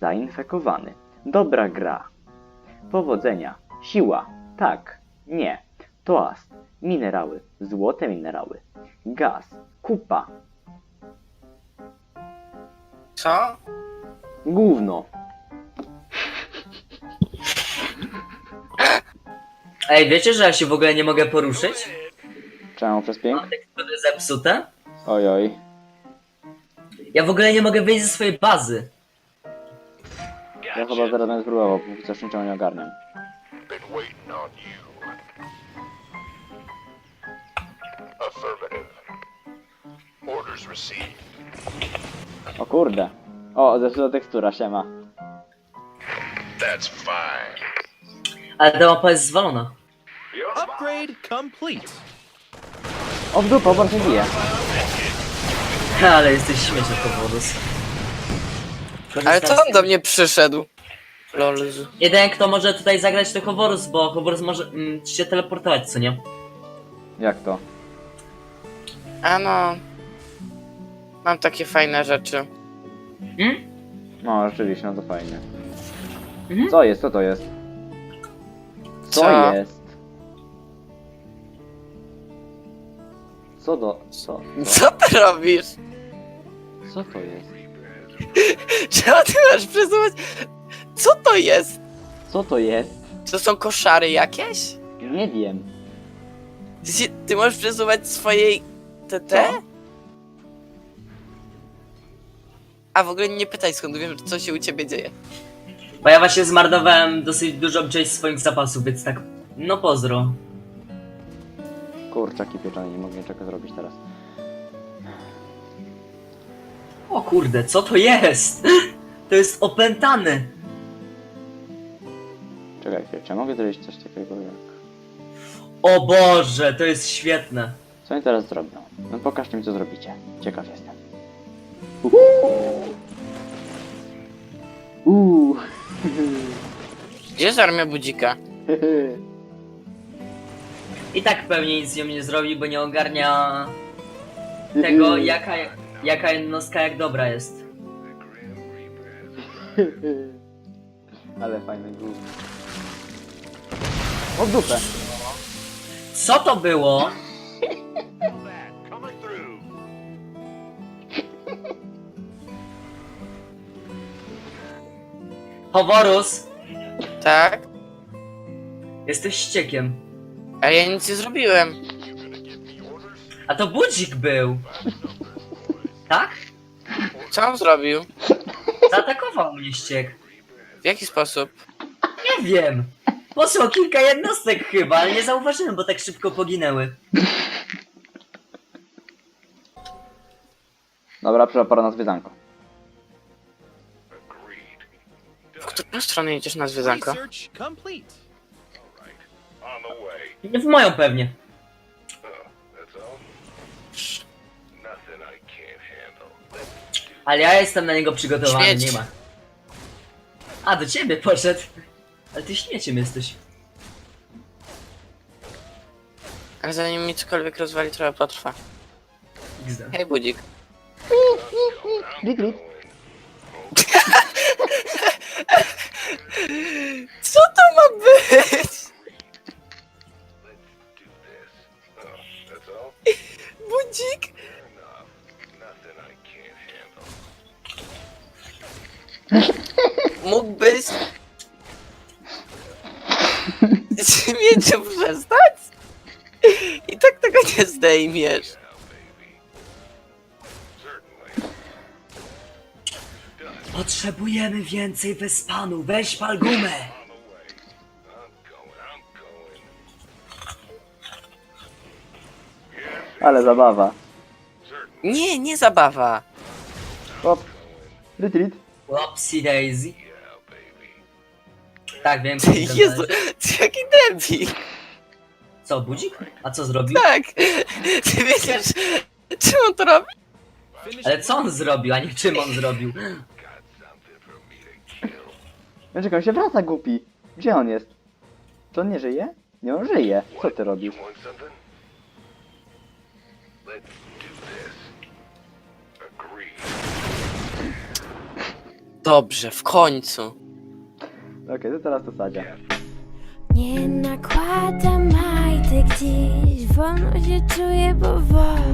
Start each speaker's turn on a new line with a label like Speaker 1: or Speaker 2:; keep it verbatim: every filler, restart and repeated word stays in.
Speaker 1: Zainfekowany. Dobra gra. Powodzenia. Siła. Tak. Nie. Toast. Minerały. Złote minerały. Gaz. Kupa.
Speaker 2: Co?
Speaker 1: Gówno.
Speaker 3: Ej, wiecie, że ja się w ogóle nie mogę poruszyć?
Speaker 1: Czemu przez pięk?
Speaker 3: Mam tekstury zepsute.
Speaker 1: Oj, oj.
Speaker 3: Ja w ogóle nie mogę wyjść ze swojej bazy.
Speaker 1: Ja chyba zaraz będę spróbował, póki coś niczego nie ogarniam.
Speaker 4: Been waiting on you. Affirmative. Orders received.
Speaker 1: O kurde. O, zepsuta tekstura, siema.
Speaker 4: That's fine.
Speaker 3: Ale ta mapa jest zwalona.
Speaker 5: Upgrade complete.
Speaker 1: O, w dupę, bardzo bije.
Speaker 3: Ale jesteś śmieszny, powodus.
Speaker 2: Ale co on do mnie przyszedł? Lol.
Speaker 3: Jeden, kto może tutaj zagrać, to Hovorus, bo Hovorus może mm, się teleportować, co nie?
Speaker 1: Jak to?
Speaker 2: A no. Mam takie fajne rzeczy.
Speaker 3: Hmm?
Speaker 1: No, rzeczywiście, no to fajnie.
Speaker 3: Mhm.
Speaker 1: Co jest? Co to jest? Co,
Speaker 2: Co?
Speaker 1: jest? Co do... Co? Co?
Speaker 2: Co ty robisz?
Speaker 1: Co to jest?
Speaker 2: Czemu ty masz przesuwać? Co to jest?
Speaker 1: Co to jest?
Speaker 2: To są koszary jakieś?
Speaker 1: Nie wiem.
Speaker 2: Ty, się, ty możesz przesuwać swojej T T?
Speaker 1: Co?
Speaker 2: A w ogóle nie pytaj, skąd wiem, co się u ciebie dzieje.
Speaker 3: Bo ja właśnie zmarnowałem dosyć dużo część swoich zapasów, więc tak, no pozdro.
Speaker 1: Kurczaki pieczone, nie mogę niczego zrobić teraz.
Speaker 3: O kurde, co to jest? To jest opętany.
Speaker 1: Czekaj chwilę, czy ja mogę zrobić coś takiego jak...
Speaker 3: O Boże, to jest świetne.
Speaker 1: Co oni teraz zrobią? No pokażcie mi, co zrobicie. Ciekaw jestem. Uuu.
Speaker 2: Gdzie jest armia budzika?
Speaker 3: I tak pewnie nic z nią nie zrobi, bo nie ogarnia tego, jaka, jaka jednostka jak dobra jest.
Speaker 1: Ale fajny gówno. O w dupę!
Speaker 3: Co to było?
Speaker 4: Coming through.
Speaker 3: Hovorus,
Speaker 2: Tak?
Speaker 3: jesteś ściekiem.
Speaker 2: A ja nic nie zrobiłem.
Speaker 3: A to budzik był. Tak?
Speaker 2: Co on zrobił?
Speaker 3: Zaatakował mnie ściek.
Speaker 2: W jaki sposób?
Speaker 3: Nie wiem. Posłał kilka jednostek chyba, ale nie zauważyłem, bo tak szybko poginęły.
Speaker 1: Dobra, przyszła pora na zwiedzanko.
Speaker 2: W którą stronę idziesz na zwiedzanko?
Speaker 5: Research complete.
Speaker 4: On the way.
Speaker 3: W moją pewnie.
Speaker 4: Oh, that's all. Nothing I can't handle.
Speaker 3: Ale ja jestem na niego przygotowany,
Speaker 2: Śmieć.
Speaker 3: nie ma. A, do ciebie poszedł. Ale ty śmieciem jesteś.
Speaker 2: Ale zanim mi cokolwiek rozwali, trochę potrwa.
Speaker 3: X D.
Speaker 2: Hej budzik.
Speaker 1: Glit, glit.
Speaker 2: Co to ma być?
Speaker 4: Oh, that's all.
Speaker 2: Budzik?
Speaker 4: Enough. Nothing I can't handle.
Speaker 2: Mógłbyś... Śmieciu przestać? I tak tego nie zdejmiesz.
Speaker 4: Now, baby. Certainly.
Speaker 3: Potrzebujemy więcej wyspanu, weź pal gumę.
Speaker 4: On the way. I'm going. I'm going.
Speaker 1: Ale zabawa.
Speaker 2: Nie, nie zabawa.
Speaker 1: Hop. Retreat.
Speaker 3: Whoopsie daisy.
Speaker 4: Yeah, baby.
Speaker 3: Tak, wiem.
Speaker 2: Ty,
Speaker 3: co
Speaker 2: Jezu, ty jaki debil.
Speaker 3: Co, budzik? A co zrobił?
Speaker 2: Tak. Ty wiedziesz, czym on to robi?
Speaker 5: Finish
Speaker 3: Ale co on zrobił, a nie czym on zrobił?
Speaker 4: Got something for me to kill.
Speaker 1: Ja czekam, się wraca głupi. Gdzie on jest? Czy on nie żyje? Nie, on żyje. Co ty robisz?
Speaker 4: You want something? Let's do this. Agreed.
Speaker 2: Dobrze, w końcu.
Speaker 1: Okej, to teraz to Sadzia.
Speaker 6: Nie nakładam majtek dziś, wolno się czuję powoli.